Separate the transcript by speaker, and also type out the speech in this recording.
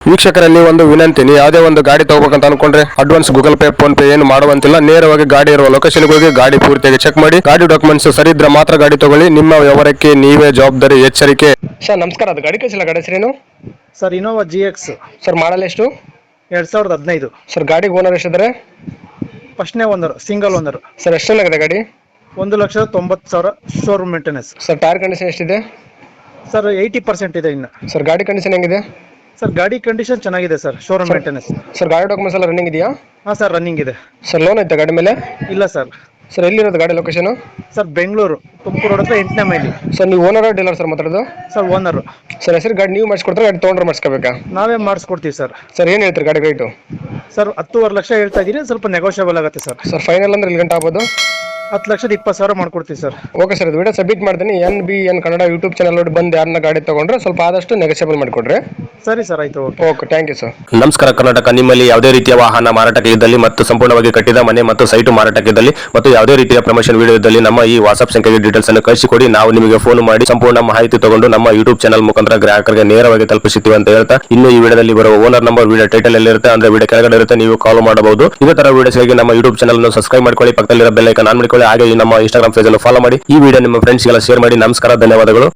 Speaker 1: ವೀಕ್ಷಕರಲ್ಲಿ ಒಂದು ವಿನಂತಿ, ನೀವು ಯಾವುದೇ ಒಂದು ಗಾಡಿ ತಗೋಬೇಕಂತ ಅನ್ಕೊಂಡ್ರೆ advance Google Pay PhonePe ಏನು ಮಾಡುವಂತಿಲ್ಲ. ನೇರವಾಗಿ ಗಾಡಿ ಇರುವ ಲೊಕೇಶನ್ ಹೋಗಿ ಗಾಡಿ ಪೂರ್ತಿಯಾಗಿ ಚೆಕ್ ಮಾಡಿ, ಗಾಡಿ ಡಾಕ್ಯುಮೆಂಟ್ಸ್ ಸರಿ ಇದ್ರೆ ಮಾತ್ರ ಗಾಡಿ ತಗೊಳ್ಳಿ. ನಿಮ್ಮ ವ್ಯವಹಾರಕ್ಕೆ ನೀವೇ ಜವಾಬ್ದಾರಿ. ಎಚ್ಚರಿಕೆ. ಸರ್ ನಮಸ್ಕಾರ, ಅದು ಗಾಡಿ ಕಳಿಸಿಲ್ಲ, ಗಾಡಿ ಹೆಸರೇನು?
Speaker 2: Sir Innova GX
Speaker 1: sir model ಎಷ್ಟು?
Speaker 2: 2015.
Speaker 1: ಸರ್ ಗಾಡಿಗೆ ಓನರ್ ಎಷ್ಟಿದ್ದಾರೆ?
Speaker 2: ಫಸ್ಟ್ನೇ ಓನರ್, ಸಿಂಗಲ್ ಓನರ್.
Speaker 1: ಸರ್ ಎಷ್ಟೆಲ್ಲಾಗಿದೆ ಗಾಡಿ?
Speaker 2: 1,90,000 showroom maintenance.
Speaker 1: Sir tyre condition ಎಷ್ಟಿದೆ?
Speaker 2: ಸರ್ 80% ಇದೆ ಇನ್ನು.
Speaker 1: ಸರ್ ಗಾಡಿ ಕಂಡೀಷನ್ ಹೆಂಗಿದೆ?
Speaker 2: ಸರ್ ಗಾಡಿ ಕಂಡೀಷನ್ ಚೆನ್ನಾಗಿದೆ ಸರ್, ಶೋರೂಮ್ ಮೇಂಟೆನೆನ್ಸ್.
Speaker 1: ಸರ್ ಗಾಡಿ ಡಾಕ್ಯುಮೆಂಟ್ಸ್ ಎಲ್ಲ ರನ್ನಿಂಗ್ ಇದೆಯಾ?
Speaker 2: ಹಾಂ ಸರ್, ರನ್ನಿಂಗ್ ಇದೆ.
Speaker 1: ಸರ್ ಲೋನ್ ಐತೆ ಗಾಡಿ ಮೇಲೆ?
Speaker 2: ಇಲ್ಲ ಸರ್.
Speaker 1: ಸರ್ ಎಲ್ಲಿರೋದು ಗಾಡಿ location?
Speaker 2: Sir Bengaluru Tumakuru road ಹತ್ರ 8ನೇ ಮೈಲಿ.
Speaker 1: ಸರ್ ನೀವು ಓನರ್ ಡೀಲರ್ ಸರ್ ಮಾತಾಡೋದು?
Speaker 2: Sir owner.
Speaker 1: ಸರ್ ಹೆಸರು ಗಾಡಿ ನೀವು ಮಾಡಿಸ್ಕೊಡ್ತಾರೆ, ಗಾಡಿ ತೊಗೊಂಡ್ರೆ ಮಾಡಿಸ್ಕೋಬೇಕಾ?
Speaker 2: ನಾವೇ ಮಾಡಿಸ್ಕೊಡ್ತೀವಿ ಸರ್.
Speaker 1: ಸರ್ ಏನು ಹೇಳ್ತೀರಿ ಗಾಡಿ ರೇಟು?
Speaker 2: ಸರ್ 10.5 ಲಕ್ಷ ಹೇಳ್ತಾ ಇದ್ದೀನಿ, ಸ್ವಲ್ಪ ನೆಗೋಷಿಯಬಲ್ ಆಗುತ್ತೆ ಸರ್.
Speaker 1: ಸರ್ ಫೈನಲ್ ಅಂದ್ರೆ ಇಲ್ಲಿ ಗಂಟೆ ಆಗ್ಬೋದು?
Speaker 2: 10,20,000 ಮಾಡ್ಕೊಡ್ತೀವಿ ಸರ್.
Speaker 1: ಓಕೆ ಸರ್, ಇದು ವಿಡಿಯೋ ಸಬ್ಮಿಟ್ ಮಾಡ್ತೀನಿ. NBN ಕನ್ನಡ ಯೂಟ್ಯೂಬ್ ಚಾನಲ್ ನೋಡಿ ಬಂದು ಯಾರನ್ನ ಗಾಡಿ ತಗೊಂಡ್ರೆ ಸ್ವಲ್ಪ ಆದಷ್ಟು ನೆಗೋಷಿಯಬಲ್ ಮಾಡಿಕೊಡ್ರಿ.
Speaker 2: ಸರಿ ಸರ್, ಆಯ್ತು.
Speaker 1: Okay, thank you sir.
Speaker 3: ನಮಸ್ಕಾರ ಕರ್ನಾಟಕ. ನಿಮ್ಮಲ್ಲಿ ಯಾವುದೇ ರೀತಿಯ ವಾಹನ ಮಾರಾಟಕ್ಕೆ ಇದ್ದಲ್ಲಿ ಮತ್ತು ಸಂಪೂರ್ಣವಾಗಿ ಕಟ್ಟಿದ ಮನೆ ಮತ್ತು ಸೈಟು ಮಾರಾಟಕ್ಕೆ ಇದ್ದಲ್ಲಿ ಮತ್ತು ಯಾವುದೇ ರೀತಿಯ ಪ್ರಮೋಷನ್ ವಿಡಿಯೋ ಇದ್ದಲ್ಲಿ ನಮ್ಮ ಈ ವಾಟ್ಸ್ಆಪ್ ಸಂಖ್ಯೆಗೆ ಡೀಟೇಲ್ಸ್ ಅನ್ನು ಕಳಿಸಿಕೊಡಿ. ನಾವು ನಿಮಗೆ ಫೋನ್ ಮಾಡಿ ಸಂಪೂರ್ಣ ಮಾಹಿತಿ ತಗೊಂಡು ನಮ್ಮ ಯೂಟ್ಯೂಬ್ ಚಾನಲ್ ಮುಖಾಂತರ ಗ್ರಾಹಕರಿಗೆ ನೇರವಾಗಿ ತಲುಪಿಸುತ್ತೀವಿ ಅಂತ ಹೇಳ್ತಾ, ಇನ್ನು ಈ ವಿಡಿಯೋದಲ್ಲಿ ಬರುವ ಓನರ್ ನಂಬರ್ ವಿಡಿಯೋ ಟೈಟಲ್ ಅಲ್ಲಿ ಇರುತ್ತೆ, ಅಂದ್ರೆ ವಿಡಿಯೋ ಕೆಳಗಡೆ ಇರುತ್ತೆ, ನೀವು ಕಾಲ್ ಮಾಡಬಹುದು. ಇದೇ ತರ ವಿಡಿಯೋಸ್ಗಾಗಿ ನಮ್ಮ ಯೂಟ್ಯೂಬ್ ಚಾನಲ್ ಅನ್ನು ಸಬ್ಸ್ಕ್ರೈಬ್ ಮಾಡ್ಕೊಳ್ಳಿ, ಪಕ್ಕದಲ್ಲಿರೋ ಬೆಲ್ ಐಕಾನ್ ಆನ್ ಮಾಡಿಕೊಳ್ಳಿ. ಹಾಗೆ ನಮ್ಮ ಇನ್ಸ್ಟಾಗ್ರಾಮ್ ಪೇಜ್ ಅನ್ನು ಫಾಲೋ ಮಾಡಿ. ಈ ವಿಡಿಯೋ ನಿಮ್ಮ ಫ್ರೆಂಡ್ಸ್ಗೆಲ್ಲ ಶೇರ್ ಮಾಡಿ. ನಮಸ್ಕಾರ, ಧನ್ಯವಾದಗಳು.